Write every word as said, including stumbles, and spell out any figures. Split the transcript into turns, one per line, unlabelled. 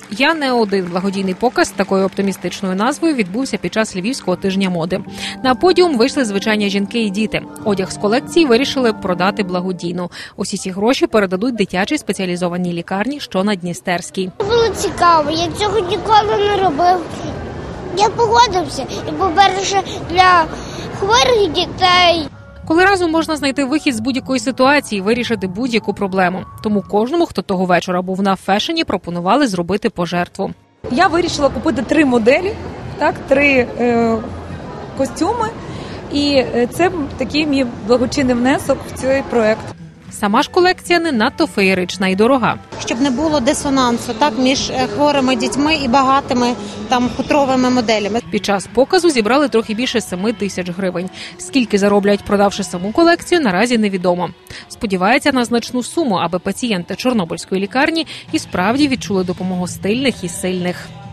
Я не один. Благодійний показ з такою оптимістичною назвою відбувся під час Львівського тижня моди. На подіум вийшли звичайні жінки і діти. Одяг з колекції вирішили продати благодійно. Усі ці гроші передадуть дитячій спеціалізованій лікарні, що на Дністерській.
Було цікаво, я цього ніколи не робив. Я погодився і, по-перше, для хворих дітей.
Коли разом можна знайти вихід з будь-якої ситуації, вирішити будь-яку проблему. Тому кожному, хто того вечора був на фешені, пропонували зробити пожертву.
Я вирішила купити три моделі, так, три е, костюми. І це такий мій благочинний внесок в цей проект.
Сама ж колекція не надто феєрична і дорога.
Щоб не було дисонансу так між хворими дітьми і багатими там хутровими моделями.
Під час показу зібрали трохи більше семи тисяч гривень. Скільки зароблять, продавши саму колекцію, наразі невідомо. Сподівається на значну суму, аби пацієнти Чорнобильської лікарні і справді відчули допомогу стильних і сильних.